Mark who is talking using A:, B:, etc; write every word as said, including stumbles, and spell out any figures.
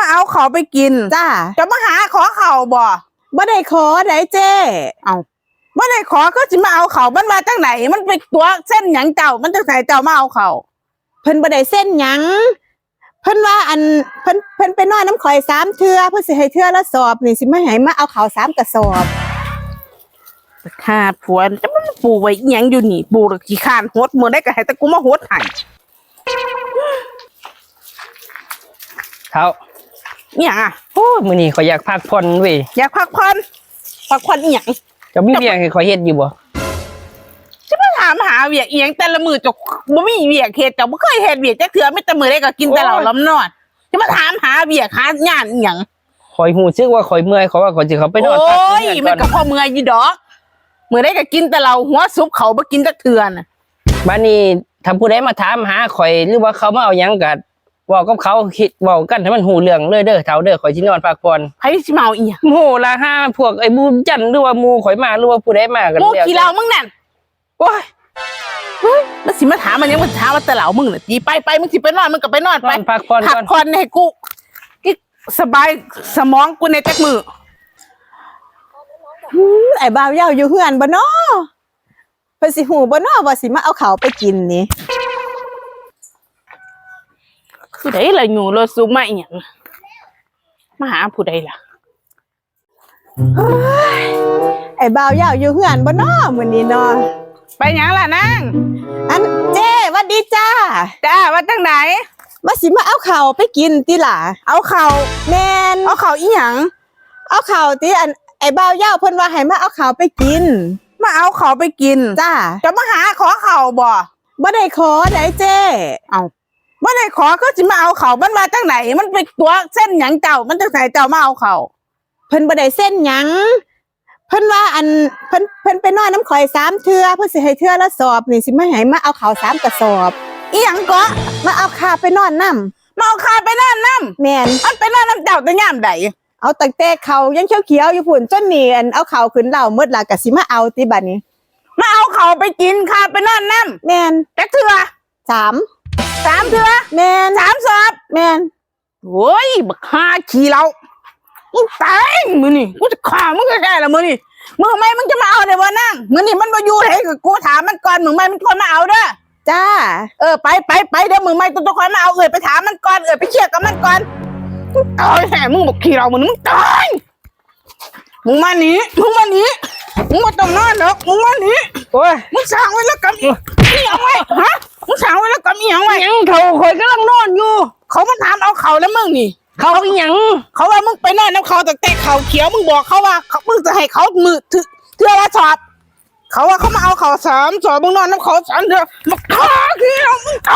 A: มาเอาเขาไปกินจ้าจะมาหาขอเขาบ่บ่ได้ขอได้เจ้เอาบ่ได้ขอก็สิมาเอาเขามันมาจากไหนมันเป็นตัวเส้นหยังเจ้ามันจะใส่เจ้ามาเอาเขาเพิ่นบ่ได้เส้นหยังเพิ่นว่าอันเพิ่นเพิ่นไปนอนน้ำข่อยสามเทื่อเพิ่นสิให้เทื่อละสอบนี่สิมาให้มาเอาเขาสามกระสอบขาดผัวจะมันปูไว้อีหยังอยู่นี่ปูละขี้คานโหดมื้อได้ก็ให้แต่กูมาโหดให้
B: เท่า
A: อีหยังอ่ะ
B: โอ้มื้อนี้ข่อยอยากพักผ่อนเว้ย
A: อยากพักผ่อนพักผ่อนอีหยัง
B: จะมีเวียกให้ข่อยเฮ็ดอยู่บ่
A: จะมาถามหาเวียกอีหยังแต่ละมื้อจกบ่มีเวียกเฮ็ดจ้ะบ่เคยเฮ็ดเวียกจักเทื่อมีแต่มื้อใดก็กินแต่เหล้าล้ำนอนจะมาถามหาเวียกหางานอีหยัง
B: ข่อยฮู้สึกว่าข่อยเมื่อยข่อยว่าข่อยสิเข้าไปนอนพัก
A: โอ้ยมันก็พอเมื่อยอยู่ดอกมื้อใดก็กินแต่เหล้าหัวซุปเขาบ่กินจักเทื่อน่ะ
B: บัดนี้ถ้าผู้ใดมาถามหาข่อยหรือว่าเขามาเอาหยังก็เว้ากับเขาคิดเว้ากันให้มันฮู้เรื่องเลยเด้อเฒ่าเด้อข่อยสินอนพักผ่อน
A: ไผสิมาเอาอีหยัง
B: โหล่ะห้าพวกไอ้บูมจันหรือว่าหมู่ข่อยมาหรือว่าผู้ใดมากัน
A: แล้วหมู่ขี้เหล้ามึงนั่นโอ้ยเฮ้ยมันสิมาถามมันยังมันถามว่าแต่เหล้ามึงน่ะจีไปไปมึงสิไปนอนมึงก็ไปนอนไป
B: พักผ่อนก่อน
A: พักผ่อนให้กูสบายสมองกูในจักมือไอ้บ่าวเย้าอยู่เฮือนบ่น้อเพิ่นสิฮู้บ่น้อว่าสิมาเอาข้าวไปกินนี่ผู้ใดล่ะอยู่รถซุมาอีหยังมาหาผู้ใดล่ะไอ้บ่าวเย้าอยู่เฮือนบ่น้อมื้อนี้น้อไปหยังล่ะนางอันเจ้หวัดดีจ้าจ้าว่าจังไหนว่าสิมาเอาข้าวไปกินติล่ะเอาข้าวแม่นเอาข้าวอีหยังเอาข้าวติอันไอ้บ่าวเย้าเพิ่นว่าให้มาเอาข้าวไปกินมาเอาข้าวไปกินจ้าจะมาหาขอข้าวบ่บ่ได้ขอได้เจ้เอาบ่ได้ขอก็สิมาเอาข้าวมันมาจากไหนมันเป็นตัวเส้นหยังเจ้ามันจะใส่เจ้ามาเอาข้าวเพิ่นบ่ได้เส้นหยังเพิ่นว่าอันเพิ่นเพิ่นไปนอนน้ำข่อยสามเทื่อเพิ่นสิให้เทื่อละสอบนี่สิมาให้มาเอาข้าวสามกระสอบอีหยังก็มาเอาข้าไปนอนน้ำมาเอาข้าไปนอนน้ำแม่นอันไปนอนน้ำเจ้าแต่ยามใดเอาตั้งแต่เขายังเขียวๆอยู่พุ่นจนนี่อันเอาข้าวขึ้นเหล้าหมดละก็สิมาเอาติบัดนี้มาเอาข้าวไปกินข้าไปนอนน้ำแม่นจักเทื่อสามสามเทื่อแม่นสามสอบแม่นโอ้ยบักฮาขี้เหล้ามึงตายมื้อนี่กูจะฆ่ามึงแท้ๆละมื้อนี่มึงทำไมมึงจะมาเอาได้บ่นางมื้อนี่มันบ่อยู่ให้กูถามมันก่อนมึงไม่มันคนมาเอาเด้อจ้าเออไปไปไปเดี๋ยวมึงไม่ต้องคอยมาเอาเอ่ยไปถามมันก่อนเอ่ยไปเคลียร์กับมันก่อนตายแห่มึงบอกขี้เรามึงมึงตายมึงมาหนีมึงมาหนีมึงมาต้องนอนหรอกมึงมาหนี
B: โอ้ย
A: มึงสั่งไว้แล้วกับอีหยังไว้ฮะมึงสั่งไว้แล้วกับอีหยังไว้
B: ยังเขาข่อยกำลังนอนอยู่
A: เขามาถามเอาเขาแล้วมึงนี่
B: เขาอีหยัง
A: เขาว่ามึงไปนอนน้ำเขาแต่แต่เขาเขียวมึงบอกเขาว่ามึงจะให้เขามือถือเทื่อละสอบเขาว่าเขามาเอาเขาสามสอบมึงนอนน้ำเขาสามเทื่อมาฆ่าขี้เรามึงต